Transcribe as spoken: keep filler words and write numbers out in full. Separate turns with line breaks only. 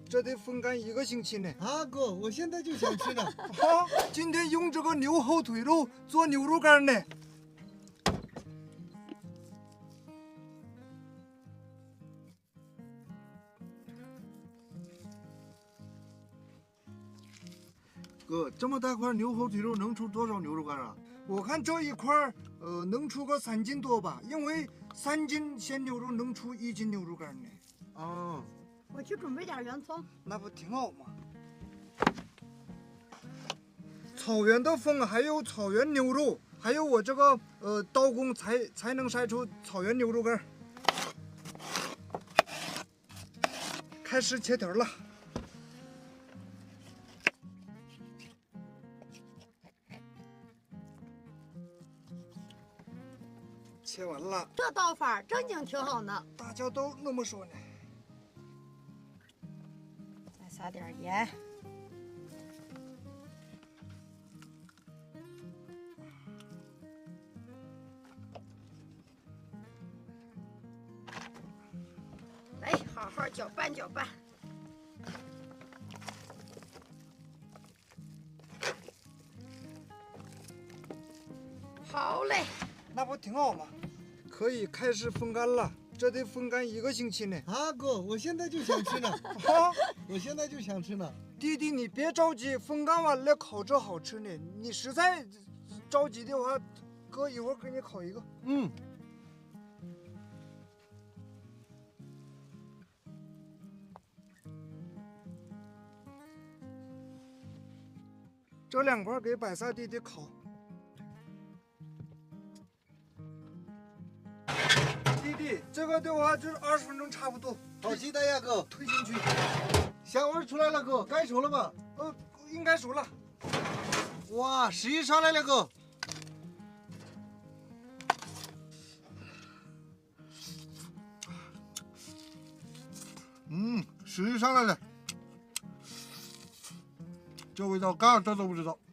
这得风干一个星期呢。
啊，哥，我现在就想吃呢。
好，今天用这个牛后腿肉做牛肉干呢。
哥，这么大块牛后腿肉能出多少牛肉干啊？
我看这一块儿，呃，能出个三斤多吧？因为三斤鲜牛肉能出一斤牛肉干呢。
哦，
我去准备点圆葱。
那不挺好吗？草原的风，还有草原牛肉，还有我这个呃刀工才才能晒出草原牛肉干。开始切条了。切完了，
这刀法正经挺好呢。
大家都那么说呢。
再撒点盐。来，好好搅拌搅拌。好嘞。
那不挺好吗？可以开始风干了，这得风干一个星期呢。
啊，哥，我现在就想吃呢。
好，
我现在就想吃呢。
弟弟你别着急，风干完了烤着好吃呢。你实在着急的话，哥一会儿给你烤一个。
嗯。
这两块给百萨弟弟烤。弟弟，这个的话就是二十分钟差不多。
好期待呀，哥！
推进去。
香味出来了，哥，该熟了吧？
呃，应该熟了。
哇，食欲上来了，哥。嗯，食欲上来了。这味道干这都不知道。